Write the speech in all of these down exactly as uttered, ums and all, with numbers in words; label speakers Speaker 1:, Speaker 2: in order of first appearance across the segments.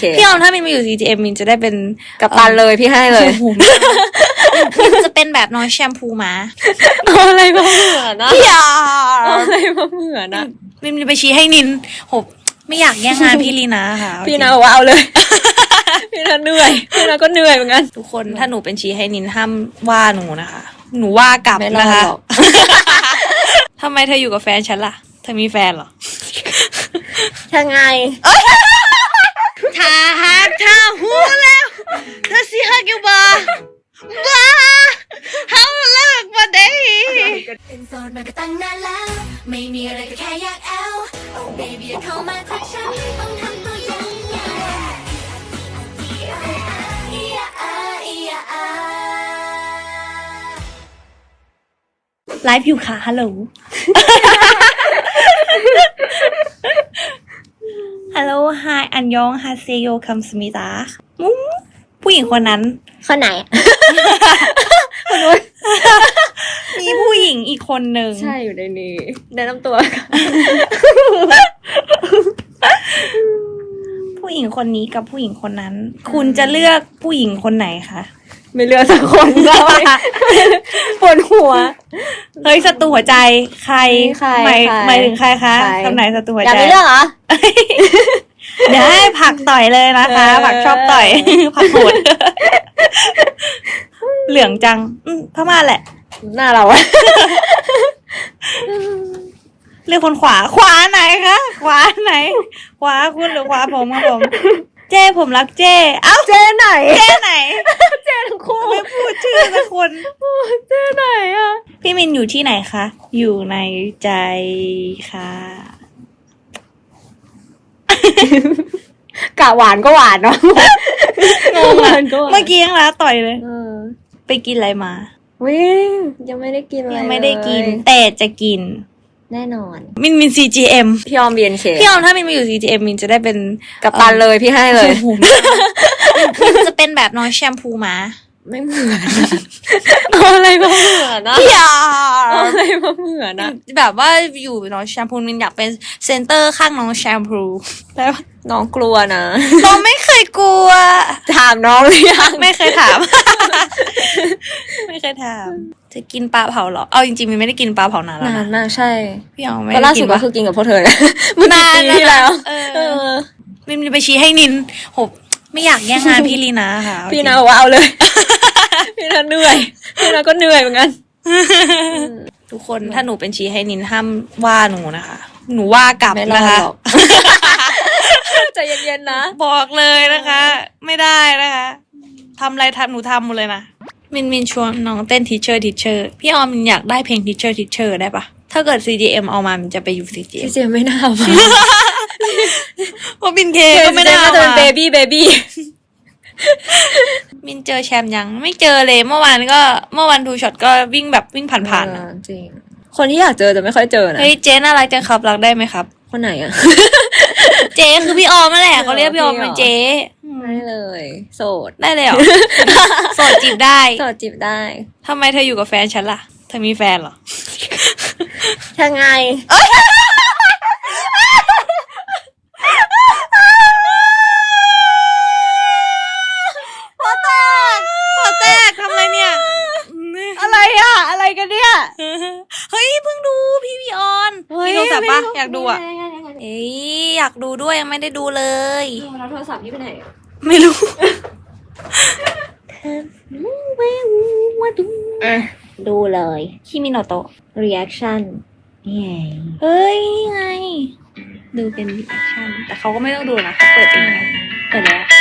Speaker 1: พี่ออมถ้ามินมาอยู่ ซี จี เอ็ม มินจะได้เป็น
Speaker 2: กัปตันเลยพี่ให้เลย
Speaker 1: มินจะเป็นแบบน้องแชมพูมา
Speaker 2: อะไรมาเหมือนนะ
Speaker 1: พี่ออม
Speaker 2: อะไรมาเหมือนนะ
Speaker 1: มินไปชี้ให้นินโหไม่อยากแย่งงานพี่ลีนาค่ะ
Speaker 2: พี่นาบอกว่าเอาเลยพี่นาเหนื่อยพี่นาก็เหนื่อยเหมือนกัน
Speaker 1: ทุกคนถ้าหนูเป็นชี้ให้นินห้ามว่าหนูนะคะหนูว่ากลับนะคะทำไมเธออยู่กับแฟนฉันล่ะเธอมีแฟนเหรอ
Speaker 2: ยังไง
Speaker 1: ถ้าหากเธอหูแล้วเธอสิฮักอยู่บ่บ้าเฮาเลิกบ่ได้
Speaker 3: เป็นโสดมาก็ตั้งนานแล้วไม่มีอะไรก็แค่อยากแอล Oh baby อย่าเข้ามาทักฉันต้องทำตัวยังไง
Speaker 1: ไลฟ์อยู่ค่ะฮัลโหลฮัลโหลไฮอันยองฮาเซโยคัมสมิตาผู้หญิงคนนั้น
Speaker 2: คนไหน
Speaker 1: มีผู้หญิงอีกคนหนึ่ง
Speaker 2: ใช่อยู่ในนี้แนะนำตัว
Speaker 1: ผู้หญิงคนนี้กับผู้หญิงคนนั้นคุณจะเลือกผู้หญิงคนไหนคะ
Speaker 2: ไม่เลือกสักคนเลยปวดหัว
Speaker 1: เฮ้ยศัตรูหัวใจใครหมายหมายถึงใครคะคำไหนศัตรูหัวใจ
Speaker 2: อยากไม่เลือกเหรอ
Speaker 1: เดี๋ยวให้ผักต่อยเลยนะคะผักชอบต่อยผักโหดเหลืองจังพม่าแหละ
Speaker 2: หน้าเราอะ
Speaker 1: เลือกคนขวาขวาไหนคะขวาไหนขวาคุณหรือขวาผมครับผมเจ้ผมรักเจ้เอ้า
Speaker 2: เจ้ไหน
Speaker 1: เจ้ไหน
Speaker 2: เจ้ทั้งคู่
Speaker 1: ไม่พูดชื่อสักคน
Speaker 2: เจ้ไหนอ่ะ
Speaker 1: พี่มินอยู่ที่ไหนคะอยู่ในใจค่ะ
Speaker 2: กะหวานก็หวานเนาะ
Speaker 1: งงอ่ะเมื่อกี้ยังละต่อยเลยไปกินอะไรมา
Speaker 2: วิ่งยังไม่ได้กินอะไร
Speaker 1: ยังไม่ได้กินแต่จะกิน
Speaker 2: แน่นอน
Speaker 1: มินมิน ซี จี เอ็ม
Speaker 2: พี่ออม บี เอ็น เค
Speaker 1: พี่ออมถ้ามินมาอยู่ ซี จี เอ็ม มินจะได้เป็น
Speaker 2: กัปตันเลยพี่ให้เลย
Speaker 1: มินจะเป็นแบบน้องแชมพูมา
Speaker 2: ไม่เหมือนอะไรมาเหมือนนะ
Speaker 1: พี่ออม
Speaker 2: อะไรมาเหมือนนะ
Speaker 1: แบบว่าอยู่น้องแชมพูมินอยากเป็นเซนเตอร์ข้างน้องแชมพู
Speaker 2: แล้วน้องกลัวนะ
Speaker 1: น้องไม่เคยกลัว
Speaker 2: ถามน้องหรือยัง
Speaker 1: ไม่เคยถามไม่เคยถามจะกินปลาเผาเหรอเอาจริงๆมินไม่ได้กินปลาเผานานแล้วนะ
Speaker 2: นานมากใช่
Speaker 1: พี่ออมไม่
Speaker 2: ได้กินล่าสุดก็คือกินกับพวกเธอนะเมื่อปีที่แล้วเออ
Speaker 1: มินไปชี้ให้นินโหไม่อยากแย่งงานพี่ลีนาค่ะ
Speaker 2: พี่นาบอกว่าเอาเลยพี่นาเหนื่อยพี่นาก็เหนื่อยเหมือนกัน
Speaker 1: ทุกคนถ้าหนูเป็นชี้ให้นินห้ามว่าหนูนะคะหนูว่ากลับนะคะ
Speaker 2: ใจเย็นๆนะ
Speaker 1: บอกเลยนะคะไม่ได้นะคะทำอะไรทำหนูทำหมดเลยนะมินมินชวนน้องเต้นทีเชอร์ทีเชอร์พี่ออมมินอยากได้เพลงทีเชอร์ทีเชอร์ได้ปะถ้าเกิด ซี จี เอ็ม เอามามินจะไปอยู่ ซี จี เอ็ม
Speaker 2: ซี จี เอ็ม ไม่น่ามา
Speaker 1: เพราะมินเคก็ไม่ได้มา
Speaker 2: จะเป็นเบบี้เบบี้
Speaker 1: มินเจอแชมป์ยังไม่เจอเลยเมื่อวานก็เมื่อวันทูช็อตก็วิ่งแบบวิ่งผ่านๆ
Speaker 2: จริงคนที่อยากเจอจะไม่ค่อยเจอนะ
Speaker 1: เฮ้ยเจ๊น่ารักจังครับรักได้ไหมครับ
Speaker 2: คนไหนอะ
Speaker 1: เจ๊คือพี่ออมนั่นแหละเขาเรียกพี่ออมเป็นเจ๊
Speaker 2: ได้เลยโสด
Speaker 1: ได้เลยเหรอโสดจีบได้
Speaker 2: โสดจีบได้
Speaker 1: ทำไมเธออยู่กับแฟนฉันล่ะเธอมีแฟนเหรอ
Speaker 2: ยังไง
Speaker 1: หัวแตกหัวแตกทำอะไรเนี่ย
Speaker 2: อะไรอะอะไรกันเนี่ย
Speaker 1: เฮ้ยเพิ่งดูพี่พี่ออนมีโทรศัพท์ปะอยากดูอ่ะเอ้ยอยากดูด้วยยังไม่ได้ดูเลย
Speaker 2: แล้วโทรศัพท์นี่ไปไหน
Speaker 1: ไม่รู้
Speaker 2: ดูเลย
Speaker 1: คิมิโนโตะ
Speaker 2: reaction นี่ไง
Speaker 1: เฮ้ยนี่ไงดูเป็น reaction แต่เขาก็ไม่ต้องดูนะเขาเปิดเองเปิดแล้ว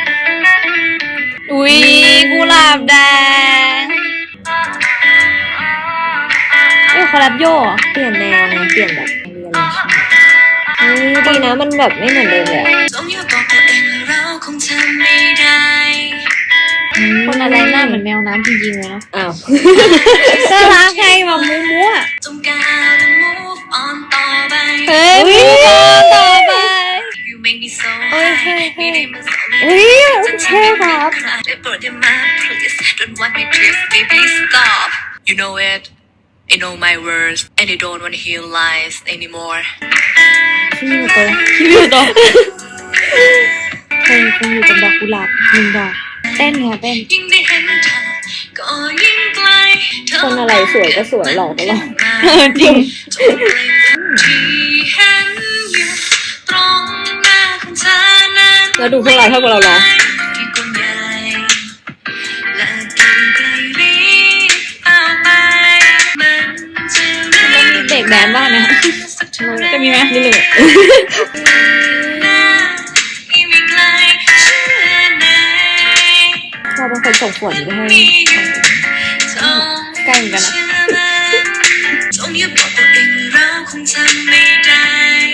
Speaker 1: อุ้ยกุหลาบแดงเอ้ยคอลแลบโย่
Speaker 2: เปลี่ยนแนวนะเปลี่ยนแบบเรียลเลยใช่ไหมดีนะมันแบบไม่เหมือนเดิมเลย
Speaker 1: คนอะไรหน้าเหมือนแมวน้ำจริงๆเลยเนาะ
Speaker 2: อ้าว
Speaker 1: น่ารักไงแบบมูมูอ่ะเฮ้ยมูมูต่อไปโอ้ยเฮ้ยเฮ้ยเฮ้ยเท่ครับ
Speaker 3: You know it You know my words and you don't want to hear lies anymore
Speaker 1: คิมิโนโตะคิมิโนโตะเพลงคงอยู่กับดอกกุหลาบหนึ่งดอกเต้นค่ะเต้น
Speaker 3: ยิ่งได้เห็นเธอก็ยิ่งไกลเธอ
Speaker 2: คนอะไรสวยก็สวยหล่อก็หล่อ
Speaker 1: เออจริง
Speaker 3: ที่เห็นอยู่ตรงหน้าของเธอนั้น
Speaker 2: แล้วดูพวกเราเท่ากับเราเหรอ
Speaker 3: ที่กว้างใหญ่และดูไกลลิบเอาไปมันจะเรื่
Speaker 1: มันมีเบรกแดนซ์บ้างนะ
Speaker 3: สักเท่าไหร่
Speaker 1: จะมีไหม
Speaker 2: นิดหนึ่งอะ
Speaker 3: ยิ่งไม่ไกลเชื่อไหน
Speaker 2: เราเป็นคนส่งขวดไปให้
Speaker 1: ใกล้เหมือนกันนะ
Speaker 3: จงอย่าบอกตัวเองว่าเราคงทำไม่ได้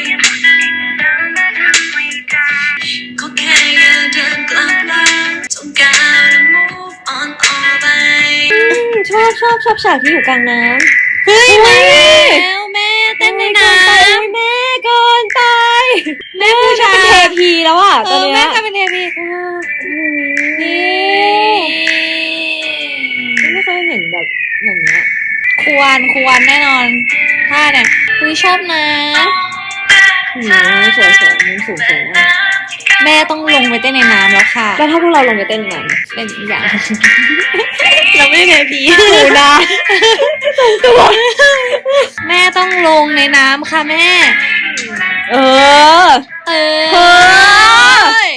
Speaker 3: ก็แค่อย่าเดินกลับหลังจงก้าวและ move on ออกไป
Speaker 2: ชอบชอบชอบฉากที่อยู่กลางน้ำ
Speaker 1: เฮ้ยมาแล้วแม่เต้นในน้
Speaker 2: โอ้ยแม่เกินไป
Speaker 1: ำแม่ผู้ชาย
Speaker 2: เป็นเทพีแล้วอ่ะ
Speaker 1: เอ
Speaker 2: ตอน
Speaker 1: อ
Speaker 2: เนี้
Speaker 1: แม่
Speaker 2: ย
Speaker 1: ก็เป็นเทพี
Speaker 2: นี่
Speaker 1: นี่
Speaker 2: ไม่เคยเห็นแบบอย่างเงี้ย
Speaker 1: ควรควรแน่นอนท่าเนี่ยคุยชอบนะ
Speaker 2: หืมสวยสวยมุมสูงสวยมาก
Speaker 1: แม่ต้องลงไปเต้นในน้ำแล้วค่ะ
Speaker 2: แล้วถ้าพวกเราลงไปเต้นยังไง
Speaker 1: เป็นอีกอย่าง เราไม่ได้เทพี
Speaker 2: ดูนะ
Speaker 1: แม่ต้องลงในน้ำค่ะแม่
Speaker 2: เออ
Speaker 1: เออ
Speaker 2: เฮ้ย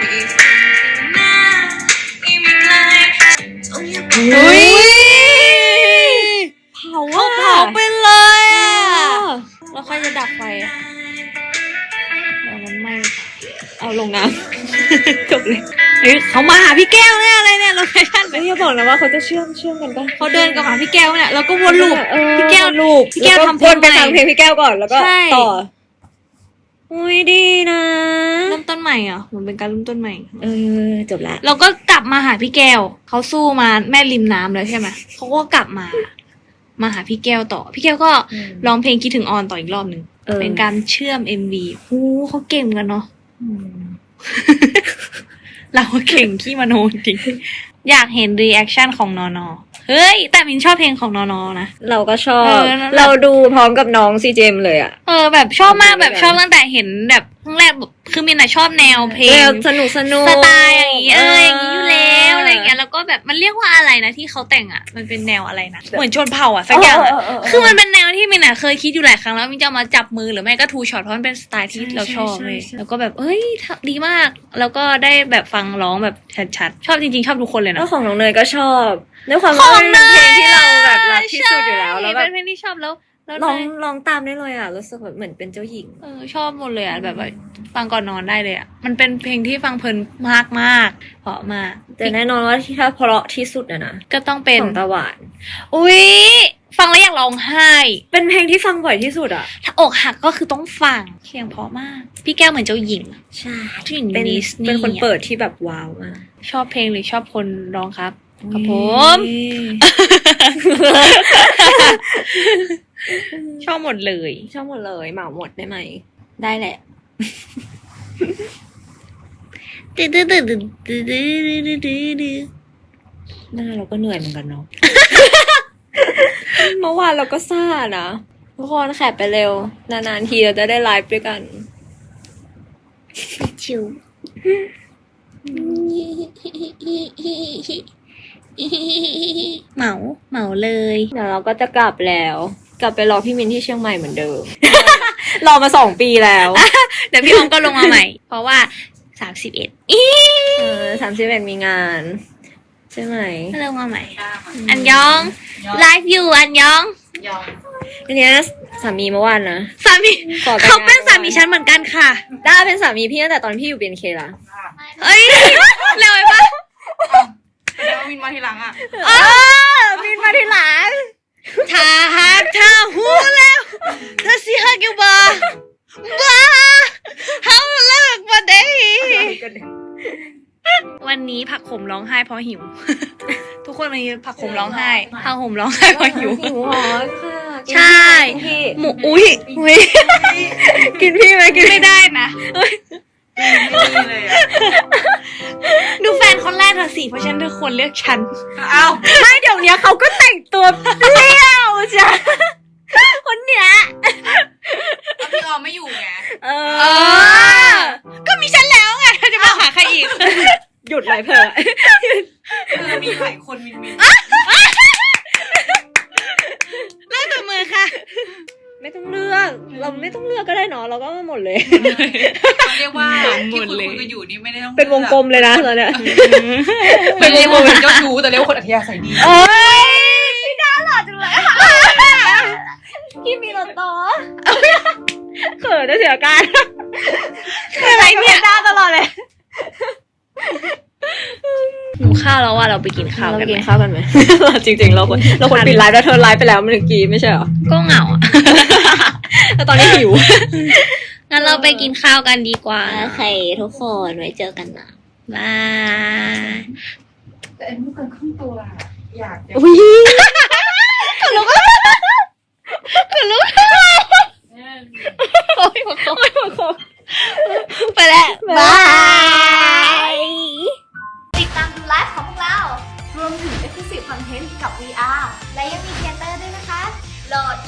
Speaker 1: อุ้ย
Speaker 2: เผา
Speaker 1: เขา
Speaker 2: อะ
Speaker 1: เผาไปเลยอ่ะแล้วใครจะดับไฟอ่ะเดี๋ยวมันไหม่
Speaker 2: เอาลงน้ำ จบเลย
Speaker 1: เฮ้ยเขามาหาพี่แก้วเนี่ยอะไรเนี่ยโลเคชั่น
Speaker 2: ไม่อย่าบอกนะว่าเขาจะเชื่อมเชื่อมกันปะ
Speaker 1: เขาเดินกับหาพี่แก้วเนี่ยแล้วก็วนลูป
Speaker 2: เออ
Speaker 1: พี่แก้ว
Speaker 2: ลูป
Speaker 1: พี่แก้ว
Speaker 2: ล้
Speaker 1: ทำเพล
Speaker 2: ว
Speaker 1: ง
Speaker 2: นไป
Speaker 1: ใหม่
Speaker 2: ฟังเพลงพี่แก้วก่อนแล้วก็
Speaker 1: ใช่
Speaker 2: ต่อ อุ้ยดีนะ
Speaker 1: เริ่มต้นใหม่อ่ะเหมือนเป็นการเริ่มต้นใหม่
Speaker 2: เออจบละ
Speaker 1: เราก็กลับมาหาพี่แก้วเขาสู้มาแม่ริมน้ำเลยใช่ไหมเขาก็กลับมา มาหาพี่แก้วต่อ พี่แก้วก็ร้องเพลงคิดถึงออนต่ออีกรอบหนึ่ง
Speaker 2: ออ
Speaker 1: เป็นการเชื่อม เอ็ม วี โอ้เขาเก่งกันเนาะ
Speaker 2: อืม
Speaker 1: เราเก่งขี้มโนจริง อยากเห็นรีแอคชั่นของนอนอเฮ้ย แต่มินชอบเพลงของนอนอนะ
Speaker 2: เราก็ชอบ
Speaker 1: เออนั่นแหละ
Speaker 2: เราดูพร้อมกับน้องซีเจมเลยอ่ะ
Speaker 1: เออแบบชอบมาก
Speaker 2: ทำ
Speaker 1: แบ
Speaker 2: ด้วย
Speaker 1: บ
Speaker 2: กัน
Speaker 1: ชอบตั้งแต่เห็นแบบครั้งแรกแบบคือมินอะชอบแนวเพล
Speaker 2: แน
Speaker 1: ง
Speaker 2: วสนุกสนุก
Speaker 1: สไตล์อย่างงี้เอออย่างงี้อยู่แล้วอะไรอย่างเงี้ยแล้วก็แบบมันเรียกว่าอะไรนะที่เขาแต่งอ่ะมันเป็นแนวอะไรนะเหมือนชนเผ่าอ่ะสักอย่างอะ
Speaker 2: เเเ
Speaker 1: คือมันเป็นแนวที่มินอะเคยคิดอยู่หลายครั้งแล้วมินจะเอามาจับมือหรือไม่ก็ทูช็อตเพราะมันเป็นสไตล์ที่เราชอบเลย
Speaker 2: ใช่ใช่ใช่
Speaker 1: แล้วก็แบบเอ้ยดีมาก แล้วก็ได้แบบฟังร้องแบบชัดๆชอบจริงๆชอบทุกคนเลย
Speaker 2: แล้ว
Speaker 1: นะ
Speaker 2: ของน้องเนยก็ชอบด้วยความ
Speaker 1: ข
Speaker 2: ว่า
Speaker 1: อง
Speaker 2: มันเป็นเพลงที่เราแบบรักที่สุดอยู่แล้ว
Speaker 1: ใช่
Speaker 2: แล้วแบบ
Speaker 1: เป็นเพลงที่ชอบแล้วแล้ว
Speaker 2: ร้อง
Speaker 1: เนย
Speaker 2: ร้องตามได้เลยอ่ะรู้สึกแบบเหมือนเป็นเจ้าหญิง
Speaker 1: เออชอบหมดเลยอ่ะแบบว่าฟังก่อนนอนได้เลยอ่ะมันเป็นเพลงที่ฟังเพลินมากมากๆเพราะมาก
Speaker 2: แต่แน่นอนว่าที่ถ้าเพราะที่สุดอะนะ
Speaker 1: ก็ต้องเป็น
Speaker 2: ของตาหวาน
Speaker 1: อุ้ยฟังแล้วอยากร้องไห้
Speaker 2: เป็นเพลงที่ฟังบ่อยที่สุดอ่ะ
Speaker 1: ถ้าอกหักก็คือต้องฟังเสียงเพราะมาก พี่แก้วเหมือนเจ้าหญิง
Speaker 2: ใช่
Speaker 1: เจ้าหญิง
Speaker 2: เป็น
Speaker 1: ดิสนีย์
Speaker 2: เป็นคน
Speaker 1: อะ
Speaker 2: เปิดที่แบบว้าวมาก
Speaker 1: ชอบเพลงหรือชอบคนร้องครับกับผม ชอบหมดเลย
Speaker 2: ชอบหมดเลยเหมาหมดได้ไหม ได้แหละ
Speaker 1: ดื้อดื้อดื้อดื้อดื้อดื้อดื้อดื้อดื้อ
Speaker 2: หน้าเราก็เหนื่อยเหมือนกันเนาะ เมื่อวานเราก็ซ่านะทุกคนแคปไปเร็ว นานๆทีเราจะได้ไลฟ์ด้วยกัน
Speaker 1: ชิวเหมาเหมาเลย
Speaker 2: เดี๋ยวเราก็จะกลับแล้ว กลับไปรอพี่มินที่เชียงใหม่เหมือนเดิม รอมาสองปีแล้ว
Speaker 1: เดี๋ยวพี่ออมก็ลงมาใหม่ เพราะว่าสามสิบเอ็ดอี
Speaker 2: เออสามสิบเอ็ดมีงาน ใช่ไหม
Speaker 1: ก็ลงมาใหม่ อันยองไลฟ์อยู่อันยอง
Speaker 2: อันเนี้ยสามีเมื่อวานนะ
Speaker 1: สามี
Speaker 2: ขอแต่งงาน
Speaker 1: เขาเป็นสามีฉันเหมือนกันค่ะ
Speaker 2: ด้าเป็นสามีพี่ตั้งแต่ตอนพี่อยู่บี เอ็น เคละ
Speaker 1: เอ้ยเร็วไปปะ
Speaker 4: แล้ววินมาทีหลังอ่ะ
Speaker 1: เออบินมาทีหลังถ้าหากเธอหูแล้วเธอสิฮักอยู่บ่บ้าเฮาเลิกบ่ได้วันนี้ผักขมร้องไห้เพราะหิว ทุกคนวันนี้ผักขมร้องไห้ผักขมร้องไห้เพราะหิว
Speaker 2: หิวหรอค่ะ
Speaker 1: ใช่
Speaker 2: กินพี่
Speaker 1: หมูอุ้ยอุ้ย
Speaker 2: กินพี่ไหมกิน
Speaker 1: ไม่ได้นะ
Speaker 4: ไม่มีเลยอ่ะ
Speaker 1: ดูแฟนคนแรกเธอสิเพราะฉะนันเธอควรเลือกฉัน
Speaker 4: เอ้า
Speaker 2: ไม่เดี๋ยวนี้เขาก็แต่งตัวเปรี้ยวจ้ะคนเนี้ย
Speaker 4: แล้วพี่ออมไม่อยู่ไง
Speaker 2: เอ
Speaker 1: เออ ก็มีฉันแล้วไงเธอจะมาหาใคร
Speaker 2: หยุดเลยเผลอ
Speaker 4: เออมีหลายคนมินมิน
Speaker 1: เลิกกับมือค่ะ
Speaker 2: ไม่ต้องเลือก เราไม่ต้องเลือกก็ได้เนาะเราก็มาหมดเลย
Speaker 4: เขาเรียกว่าที่คุณคุยกันอยู่นี่ไม่ได้ต้อง
Speaker 2: เป็นวงกลมเลยนะตอนเนี้ย
Speaker 4: เป็นวงกลมเป็นเจ้าชู้แต่เรียกว่าคนอัธยาศัยดี
Speaker 2: โอ้ยไม่น่าหล่อจังเลยค่ะกินมีรถต่อเขินจะเสียการอะไรเนี่ยหน้าตลอดเลย
Speaker 1: หนูข้าวแล้วว่าเราไปกินข้าว
Speaker 2: เรา
Speaker 1: กัน
Speaker 2: กิ
Speaker 1: ไหม
Speaker 2: นข้าวกันไหม จริงๆเราควรเราควรปิดไลฟ์แล้วเธอไลฟ์ไปแล้วเมื่อกี้ไม่ใช่เหรอ
Speaker 1: ก็เหงาอ่ะ
Speaker 2: แล้วตอนนี้หิว
Speaker 1: งั้นเราไปกินข้าวกันดีกว่า
Speaker 2: โอเคทุกคนไว้เจอกันนะ
Speaker 1: บาย
Speaker 4: แต่อันนี้เกินครึ่งตัวอะอยากจะ
Speaker 2: อุ้ย
Speaker 1: โอ้ยหัวโคไปแล้ว
Speaker 2: บาย
Speaker 3: ติดตามดูไลฟ์ของพวกเรา รวมถึง Exclusive Content กับ วี อาร์ และยังมีเทเตอร์ด้วยนะคะ โหลด